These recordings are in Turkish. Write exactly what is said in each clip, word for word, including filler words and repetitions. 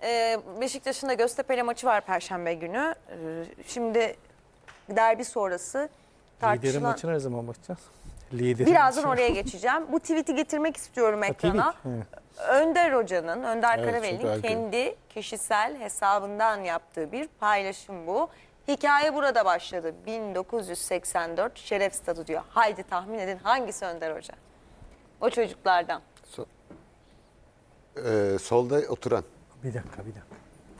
e, Beşiktaş'ın da Göztepe'yle maçı var Perşembe günü. E, şimdi derbi sonrası Liderin tartışılan... maçına ne zaman bakacağız? Liderin Birazdan maçına. oraya geçeceğim. Bu tweet'i getirmek istiyorum ekrana. Ha, tweet, evet. Önder Hoca'nın, Önder Evet, Karaveli'nin çok erken. kendi kişisel hesabından yaptığı bir paylaşım bu. Hikaye burada başladı. bin dokuz yüz seksen dört Şeref Stadı diyor. Haydi tahmin edin hangisi Önder Hoca? O çocuklardan. So ee, solda oturan. Bir dakika bir dakika.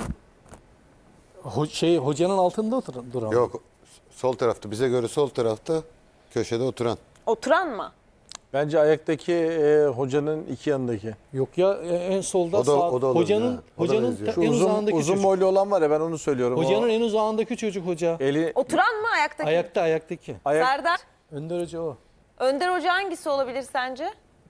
Ho şey hocanın altında oturan duran. Yok, sol tarafta. Bize göre sol tarafta, köşede oturan. Oturan mı? Bence ayaktaki e, hocanın iki yanındaki. Yok ya en solda O da- sağ, o da olabilir hocanın ha. O da hocanın benziyor. ta- Şu en uzun uzağındaki uzun çocuk. boylu olan var ya, ben onu söylüyorum. Hocanın O en uzağındaki çocuk hoca. eli Oturan mı ayaktaki? Ayakta ayaktaki. ayak Serdar. Önder Hoca o. Önder Hoca hangisi olabilir sence?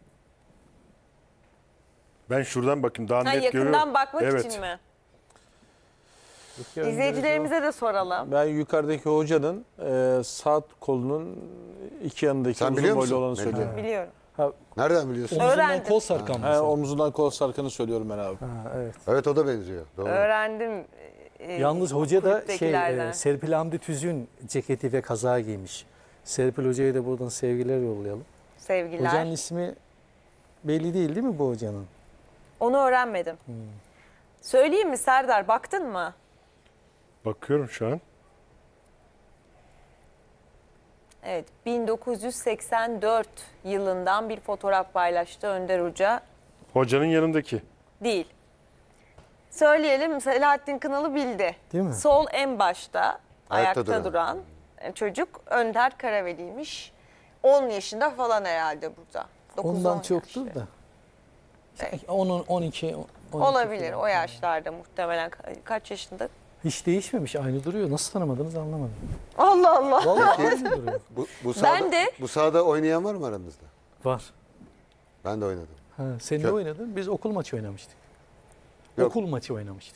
Ben şuradan bakayım daha Ha, net yakından görüyorum. bakmak Evet. için mi? Yok ya, Önder Hoca İzleyicilerimize de soralım. ben yukarıdaki hocanın e, sağ kolunun iki yanındaki Sen uzun biliyor boylu musun? olanı Melih? söylüyorum. Biliyorum. Nereden o. biliyorsun? Omzundan Öğrendim. kol sarkan He, mesela. omzundan kol sarkanı söylüyorum ben abi. Ha, evet. Evet, o da benziyor. Doğru. Öğrendim. e, Yalnız hoca da şey kulüptekilerden. e, Serpil Hamdi Tüzün ceketi ve kazağı giymiş. Serpil Hoca'ya da buradan sevgiler yollayalım. Sevgiler. Hocanın ismi belli değil değil mi bu hocanın? Onu öğrenmedim. Söyleyeyim mi Serdar, baktın mı? Bakıyorum şu an. Evet, bin dokuz yüz seksen dört yılından bir fotoğraf paylaştı Önder Hoca. Hocanın yanındaki. Değil. Söyleyelim, Selahattin Kınalı bildi. Değil mi? Sol en başta ayakta, Ayakta duran. duran çocuk Önder Karaveli'ymiş. on yaşında falan herhalde burada. dokuz Ondan on çoktur yaş. da. Evet. on, on iki, on iki Olabilir falan. o yaşlarda muhtemelen. Ka- Kaç yaşında? Hiç değişmemiş, aynı duruyor. Nasıl tanımadınız anlamadım. Allah Allah. Vallahi aynı duruyor. Bu, bu sahada, de- Bu sahada oynayan var mı aranızda? Var. Ben de oynadım. Ha, sen ne Kö- oynadın? Biz okul maçı oynamıştık. Yok. Okul maçı oynamıştık.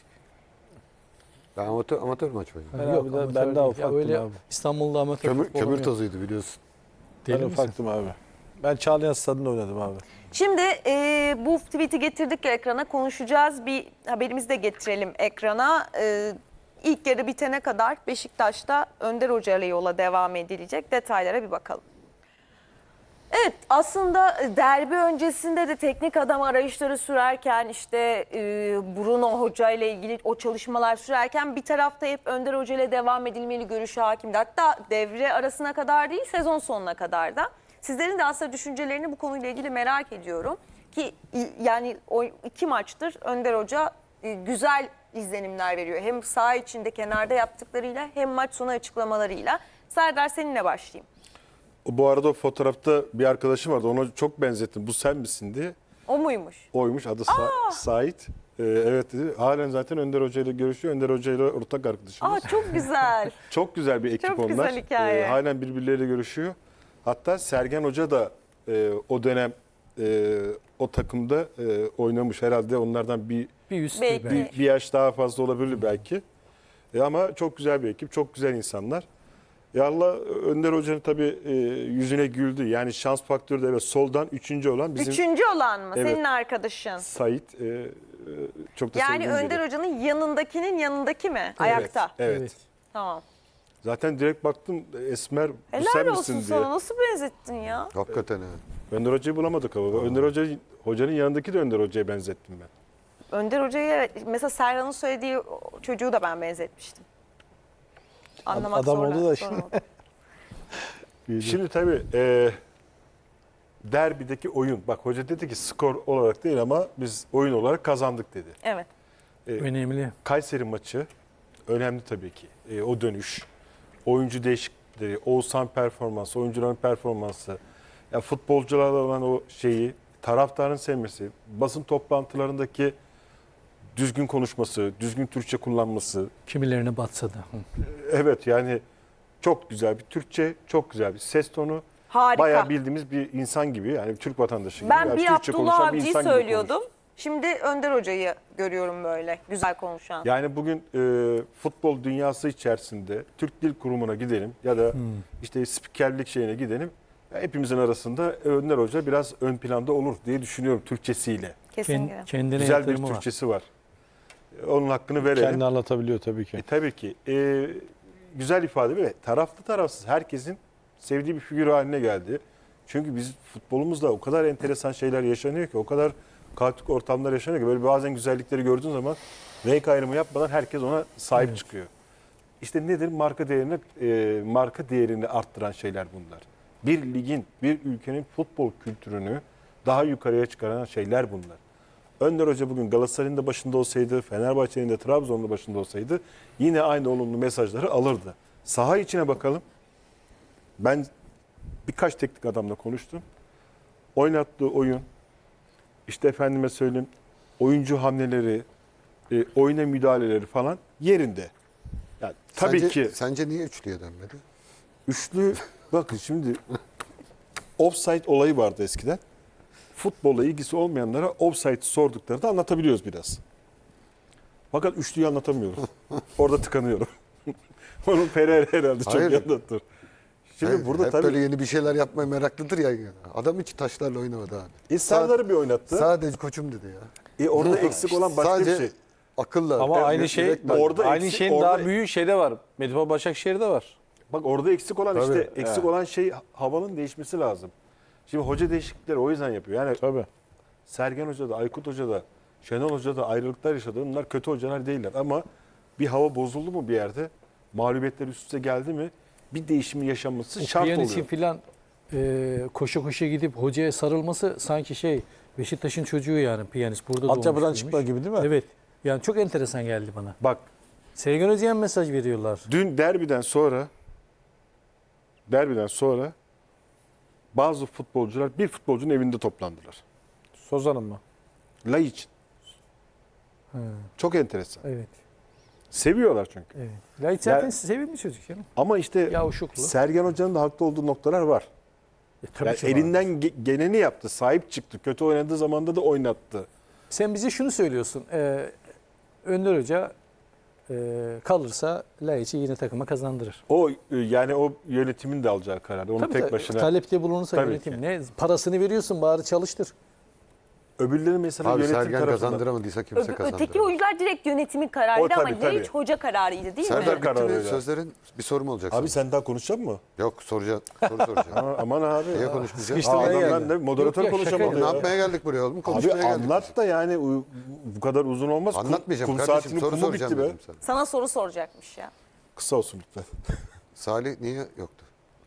Ben amatör, amatör maç oynadım. Ben abi de- amatör ben değil. daha Ya ufaktım öyle abi. İstanbul'da amatör Kömür, futbolum kömür yok. tozuydu biliyorsun. Deli Ben misin? ufaktım abi. Ben Çağlayan Stadı'nda oynadım abi. Şimdi e, bu tweet'i getirdik ekrana, konuşacağız. Bir haberimizi de getirelim ekrana. E, ilk yarı bitene kadar Beşiktaş'ta Önder Hoca ile yola devam edilecek. Detaylara bir bakalım. Evet, aslında derbi öncesinde de teknik adam arayışları sürerken, işte e, Bruno Hoca ile ilgili o çalışmalar sürerken bir tarafta hep Önder Hoca ile devam edilmeli görüşü hakimdi. Hatta devre arasına kadar değil, sezon sonuna kadar da. Sizlerin de aslında düşüncelerini bu konuyla ilgili merak ediyorum. Ki i- yani o iki maçtır Önder Hoca e, güzel izlenimler veriyor. Hem saha içinde kenarda yaptıklarıyla hem maç sonu açıklamalarıyla. Serdar, seninle başlayayım. O, bu arada o fotoğrafta bir arkadaşım vardı. Ona çok benzettim. Bu sen misin diye. O muymuş? Oymuş. Adı Sa Sait. Ee, evet dedi. Halen zaten Önder Hoca ile görüşüyor. Önder Hoca ile ortak arkadaşımız. Aa, çok güzel. Çok güzel bir ekip Çok onlar. güzel hikaye. Ee, halen birbirleriyle görüşüyor. Hatta Sergen Hoca da e, o dönem e, o takımda e, oynamış. Herhalde onlardan bir, Bir üst Belki. bir bir, bir yaş daha fazla olabilir belki. E, ama çok güzel bir ekip. Çok güzel insanlar. Ya Allah Önder Hoca'nın tabii e, yüzüne güldü. Yani şans faktörü de evet, soldan üçüncü olan bizim Üçüncü olan mı? Evet. Senin arkadaşın. Sait. E, e, çok da Yani sevdiğim Önder biri. Hoca'nın yanındakinin yanındaki mi? Ayakta. Evet. Evet. Tamam. Zaten direkt baktım Esmer bu Helal sen olsun misin diye. sana. Nasıl benzettin ya? Hakikaten ha. Önder Hoca'yı bulamadık ama. Önder Hoca, Hoca'nın yanındaki de Önder Hoca'ya benzettim ben. Önder Hoca'yı evet. Mesela Serhan'ın söylediği o çocuğu da ben benzetmiştim. Anlamak Adam zorla- oldu da sorun şimdi. oldu. Şimdi tabii e, derbideki oyun. Bak hoca dedi ki skor olarak değil ama biz oyun olarak kazandık dedi. Evet. önemli. Kayseri maçı önemli tabii ki. E, o dönüş, oyuncu değişiklikleri, Oğuzhan performansı, oyuncuların performansı, ya futbolcularla olan o şeyi, taraftarın sevmesi, basın toplantılarındaki düzgün konuşması, düzgün Türkçe kullanması. Kimilerine batsa da. Hı. Evet yani çok güzel bir Türkçe, çok güzel bir ses tonu. Harika. Bayağı bildiğimiz bir insan gibi, yani Türk vatandaşı gibi. Ben yani bir Türkçe Abdullah konuşan bir Avcı'yı insan gibi söylüyordum. konuştu. Şimdi Önder Hoca'yı görüyorum böyle. Güzel konuşan. Yani bugün e, futbol dünyası içerisinde Türk Dil Kurumu'na gidelim ya da işte spikerlik şeyine gidelim. Ya hepimizin arasında Önder Hoca biraz ön planda olur diye düşünüyorum Türkçesiyle. Kesinlikle. Kend- kendine Güzel bir yatırımı var. Türkçesi var. Onun hakkını verelim. Kendi anlatabiliyor tabii ki. E, tabii ki. E, güzel ifade ve taraflı tarafsız herkesin sevdiği bir figür haline geldi. Çünkü biz futbolumuzda o kadar enteresan şeyler yaşanıyor ki, o kadar kaotik ortamlar yaşanıyor ki böyle bazen güzellikleri gördüğün zaman renk ayrımı yapmadan herkes ona sahip Evet. çıkıyor. İşte nedir? Marka değerini e, marka değerini arttıran şeyler bunlar. Bir ligin, bir ülkenin futbol kültürünü daha yukarıya çıkaran şeyler bunlar. Önder Hoca bugün Galatasaray'ın da başında olsaydı, Fenerbahçe'nin de Trabzon'un da başında olsaydı yine aynı olumlu mesajları alırdı. Saha içine bakalım. Ben birkaç teknik adamla konuştum. Oynattığı oyun, işte efendime söyleyeyim, oyuncu hamleleri, e, oyuna müdahaleleri falan yerinde. Yani tabii Sence- ki Sence niye üçlüye dönmedi? üçlü, bakın şimdi offside olayı vardı eskiden. Futbolla ilgisi olmayanlara offside sorduklarında anlatabiliyoruz biraz. Fakat üçlüyü anlatamıyoruz. Orada tıkanıyorum. Onun Pereira herhalde çok Hayır. iyi anlatır. Şimdi Hep- burada hep tabii böyle yeni bir şeyler yapmaya meraklıdır ya. Adam hiç taşlarla oynamadı abi. e, Serdar'ı bir oynattı. Sadece koçum dedi ya. E, orada eksik olan başka Sadece bir şey. akılla. Ama Evet, aynı şey yürekle- bak, Orada aynı eksik, şeyin orada- daha büyüğü şeyde var. Medipol Başakşehir'de var. Bak orada eksik olan işte Tabii. eksik Evet. olan şey havanın değişmesi lazım. Şimdi hoca değişiklikleri o yüzden yapıyor. Yani Tabii. Sergen Hoca da, Aykut Hoca da, Şenol Hoca da ayrılıklar yaşadı. Bunlar kötü hocalar değiller ama bir hava bozuldu mu bir yerde, mağlubiyetler üst üste geldi mi bir değişimin yaşanması şart Piyanistin oluyor. filan e, koşa koşa gidip hocaya sarılması sanki şey Beşiktaş'ın çocuğu yani piyanist burada doğmuş. Altyapıdan büyümüş. çıkma gibi değil mi? Evet. Yani çok enteresan geldi bana. Bak Sergen Hoca'ya mesaj veriyorlar. dün derbiden sonra derbiden sonra bazı futbolcular bir futbolcunun evinde toplandılar. Sozan'ın mı? Lay için. Ha, Çok enteresan. evet. Seviyorlar çünkü. Evet. Lait zaten Ya- sevimli çocuk ya. Ama işte Yavuşuklu. Sergen Hoca'nın da haklı olduğu noktalar var. E, tabii Yani ki elinden var. ge- geleni yaptı. Sahip çıktı. Kötü oynadığı zamanda da oynattı. Sen bize şunu söylüyorsun. E, Önder Hoca e, kalırsa Laiç'i yine takıma kazandırır. O e, yani o yönetimin de alacağı karar. Onu Tabii tek tabii, başına. talepte bulunursa Tabii yönetim ki. ne parasını veriyorsun bari çalıştır. Öbürleri mesela Abi yönetim Sergen tarafından. kazandıramadıysa kimse Öbür- kazandıramaz. öteki oyuncular direkt yönetimin kararıydı O ama tabii, tabii. Laiç hoca kararıydı değil Serdar mi? karar bitti mi? veriyor. Sözlerin bir sorum olacak Abi sana. sen daha konuşacak mısın? Yok soracağım. Soru soracağım. Ha, aman abi. Niye Ya. konuşmayacağız? Sıkıştırmaya Aa, geldi. adam ben de moderatör Yok ya, şaka konuşamadı Ne ya. yapmaya geldik buraya oğlum? Abi Konuşmaya geldik. anlat da yani u- bu kadar uzun olmaz. Kum- Anlatmayacağım kum kardeşim. saatinin Soru kumu soracağım bitti be. dedim sana. Sana soru soracakmış ya. Kısa olsun lütfen. Salih niye yoktu?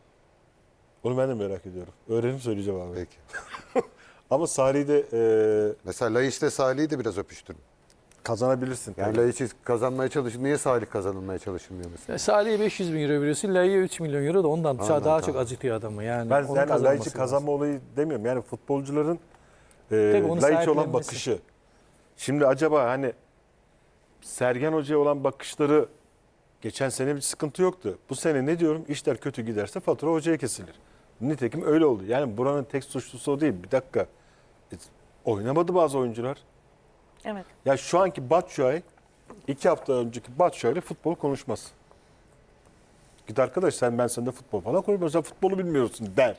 Onu ben de merak ediyorum. Öğrenip söyleyeceğim abi. Peki. Ama Salih'i de e, Mesela Laiç'te Salih'i de biraz öpüştürün. kazanabilirsin. Yani tabii. Laiç'i kazanmaya çalışın. Niye Salih kazanılmaya çalışılmıyor mesela? Ya Salih'e beş yüz bin euro veriyorsun, Laiç'e üç milyon euro da ondan Ondan, daha tamam. çok acıtıyor adamı. Yani Ben onun yani kazanması Laiç'i lazım. kazanma olayı demiyorum. Yani futbolcuların Tabii e, onu Laiç'e olan sahiplenmesi. bakışı. Şimdi acaba hani Sergen Hoca'ya olan bakışları geçen sene bir sıkıntı yoktu. Bu sene ne diyorum? İşler kötü giderse fatura hocaya kesilir. Nitekim öyle oldu. Yani buranın tek suçlusu o değil. Bir dakika. E, oynamadı bazı oyuncular. Evet. Ya şu anki Batshuayi iki hafta önceki Batshuayi futbol konuşmaz. Git arkadaş sen ben sende futbol falan konuşmuyorsun. Sen futbolu bilmiyorsun der.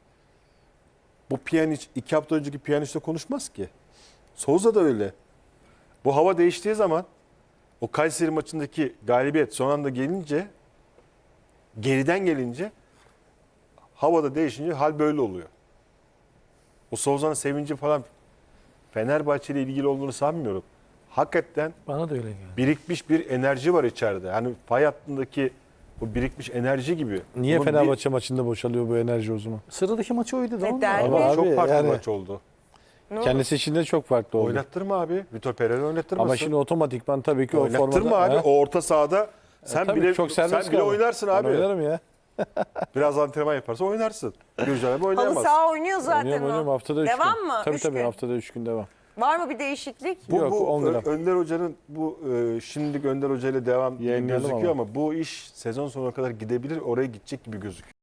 Bu Pjanic iki hafta önceki Pjanic'le konuşmaz ki. Souza da öyle. Bu hava değiştiği zaman o Kayseri maçındaki galibiyet son anda gelince geriden gelince havada değişince hal böyle oluyor. O Souza'nın sevinci falan Fenerbahçe ile ilgili olduğunu sanmıyorum. Hakikaten Bana da öyle geldi. birikmiş bir enerji var içeride. Hani fay hattındaki o birikmiş enerji gibi. Niye Bunun bir- Fenerbahçe maçında boşalıyor bu enerji o zaman? Sıradaki maçı oydu da E, ondan. derbi. Ama çok abi farklı yani- maç oldu. Ne oldu? Kendisi için de çok farklı oldu. Oynattırma abi. Vitor Pereira oynattırmasın. Ama şimdi otomatikman tabii ki o oynattırma formada... abi. Ha? O orta sahada sen Tabii, bile çok serbest sen bile kaldı. oynarsın Ben abi. oynarım ya. Biraz antrenman yaparsa oynarsın. Gürcan abi Halı oynayamaz. saha oynuyor zaten Oynuyorum, o. oynuyorum. Haftada üç Devam gün. mı? Tabii Üç tabii gün. haftada üç gün devam. Var mı bir değişiklik? Bu, Yok, bu on gram. Ö- Önder Hoca'nın bu e, şimdilik Önder Hoca ile devam gibi Yayınlayalım gözüküyor ama. ama bu iş sezon sonuna kadar gidebilir. Oraya gidecek gibi gözüküyor.